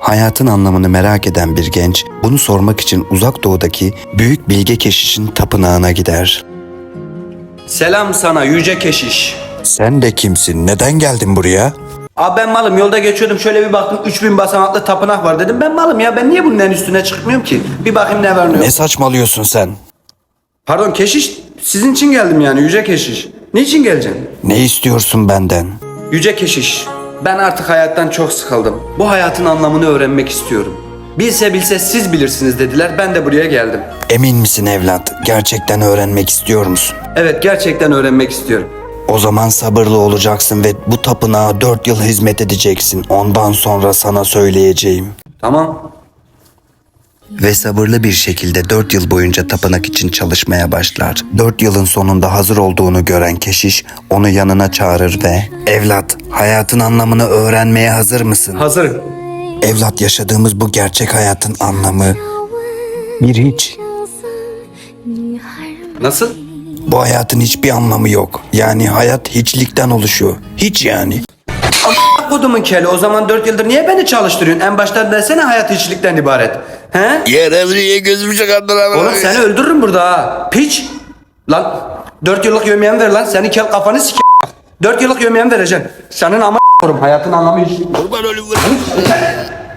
Hayatın anlamını merak eden bir genç bunu sormak için uzak doğudaki büyük bilge keşişin tapınağına gider. Selam sana yüce keşiş. Sen de kimsin? Neden geldin buraya? Abi ben malım, yolda geçiyordum, şöyle bir baktım 3000 basamaklı tapınak var, dedim ben malım ya, ben niye bunun en üstüne çıkmıyorum ki? Bir bakayım ne var ne yok. Ne saçmalıyorsun sen? Pardon keşiş, sizin için geldim yani yüce keşiş. Niçin geleceksin? Ne istiyorsun benden? Yüce keşiş, ben artık hayattan çok sıkıldım. Bu hayatın anlamını öğrenmek istiyorum. Bilse bilse siz bilirsiniz dediler, ben de buraya geldim. Emin misin evlat? Gerçekten öğrenmek istiyor musun? Evet, gerçekten öğrenmek istiyorum. O zaman sabırlı olacaksın ve bu tapınağa 4 yıl hizmet edeceksin. Ondan sonra sana söyleyeceğim. Tamam. Ve sabırlı bir şekilde 4 yıl boyunca tapınak için çalışmaya başlar. 4 yılın sonunda hazır olduğunu gören keşiş onu yanına çağırır ve "Evlat, hayatın anlamını öğrenmeye hazır mısın?" Hazırım. Evlat, yaşadığımız bu gerçek hayatın anlamı bir hiç. Nasıl? Bu hayatın hiçbir anlamı yok. Yani hayat hiçlikten oluşuyor. Hiç yani. Kodumun keli, o zaman 4 yıldır niye beni çalıştırıyorsun? En baştan desene hayat hiçlikten ibaret. He? Yer Emre'ye gözümü çakardılar. Oğlum seni öldürürüm burada ha. Piç. Lan 4 yıllık yemeğimi ver lan. Senin kel kafanı sike. 4 yıllık yemeğimi vereceğim. Senin ama korum, hayatın anlamı hiç. Kurban ölüm.